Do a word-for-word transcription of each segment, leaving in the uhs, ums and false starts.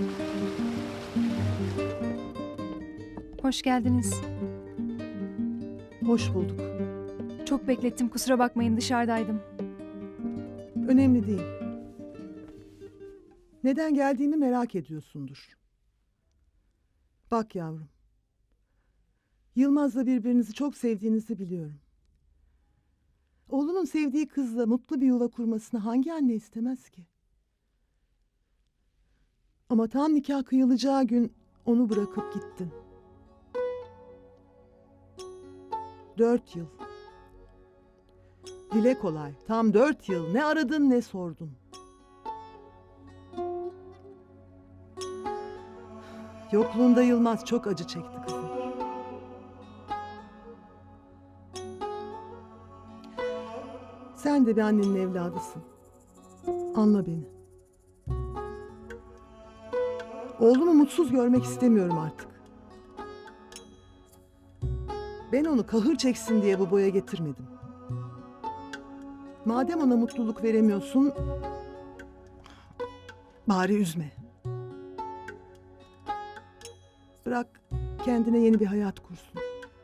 Hoş geldiniz. Hoş bulduk. Çok beklettim, kusura bakmayın, dışarıdaydım. Önemli değil. Neden geldiğimi merak ediyorsundur. Bak yavrum. Yılmaz'la birbirinizi çok sevdiğinizi biliyorum. Oğlunun sevdiği kızla mutlu bir yuva kurmasını hangi anne istemez ki? Ama tam nikah kıyılacağı gün onu bırakıp gittin. Dört yıl. Dile kolay. Tam dört yıl. Ne aradın ne sordun. Yokluğunda Yılmaz çok acı çekti kızım. Sen de bir annenin evladısın. Anla beni. Oğlumu mutsuz görmek istemiyorum artık. Ben onu kahır çeksin diye bu boya getirmedim. Madem ona mutluluk veremiyorsun, bari üzme. Bırak kendine yeni bir hayat kursun.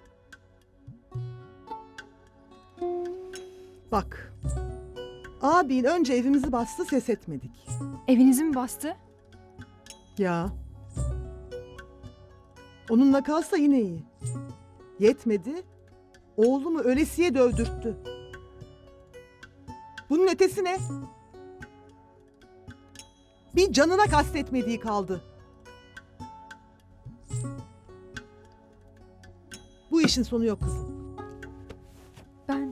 Bak, abin önce evimizi bastı, ses etmedik. Evinizi mi bastı? Ya. Onunla kalsa yine iyi. Yetmedi, oğlumu ölesiye dövdürttü. Bunun ötesi ne? Bir canına kastetmediği kaldı. Bu işin sonu yok kızım. Ben...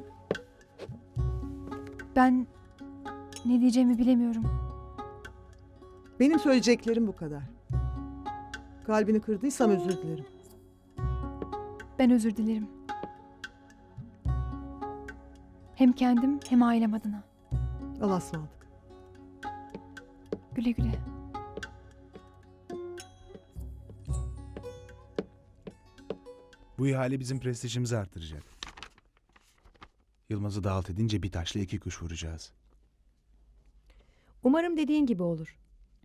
Ben... Ne diyeceğimi bilemiyorum. Benim söyleyeceklerim bu kadar. Kalbini kırdıysam özür dilerim. Ben özür dilerim. Hem kendim hem ailem adına. Allah'a ısmarladık. Güle güle. Bu ihale bizim prestijimizi artıracak. Yılmaz'ı da alt edince bir taşla iki kuş vuracağız. Umarım dediğin gibi olur.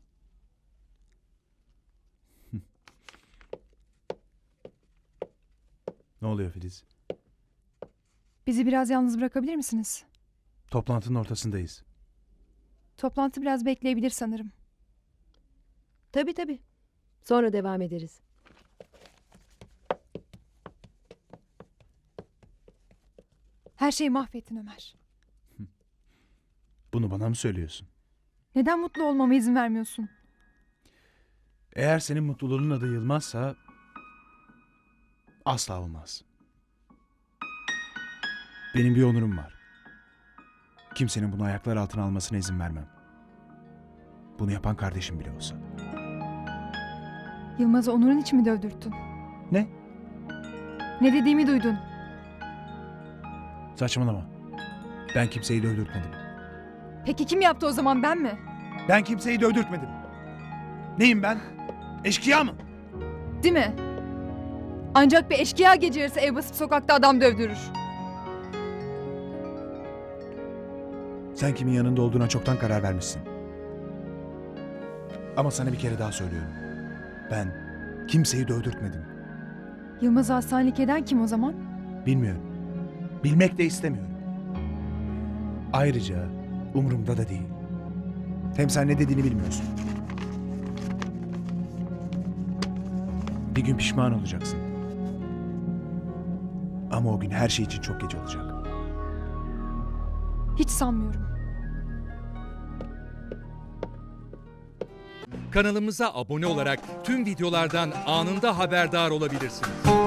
Ne oluyor Filiz? Bizi biraz yalnız bırakabilir misiniz? Toplantının ortasındayız. Toplantı biraz bekleyebilir sanırım. Tabii tabii. Sonra devam ederiz. Her şeyi mahvettin Ömer. Bunu bana mı söylüyorsun? Neden mutlu olmama izin vermiyorsun? Eğer senin mutluluğunun adı Yılmaz'sa... asla olmaz. Benim bir onurum var. Kimsenin bunu ayaklar altına almasına izin vermem. Bunu yapan kardeşim bile olsa. Yılmaz'ı Onur'un için mi dövdürttün? Ne? Ne dediğimi duydun. Saçmalama. Ben kimseyi dövdürtmedim. Peki kim yaptı o zaman, ben mi? Ben kimseyi dövdürtmedim. Neyim ben? Eşkıya mı? Değil mi? Ancak bir eşkıya gece yarısı ev basıp sokakta adam dövdürür. Sen kimin yanında olduğuna çoktan karar vermişsin. Ama sana bir kere daha söylüyorum. Ben kimseyi dövdürtmedim. Yılmaz'ı hastanelik eden kim o zaman? Bilmiyorum. Bilmek de istemiyorum. Ayrıca umurumda da değil. Hem sen ne dediğini bilmiyorsun. Bir gün pişman olacaksın. Ama o gün her şey için çok geç olacak. Hiç sanmıyorum. Kanalımıza abone olarak tüm videolardan anında haberdar olabilirsiniz.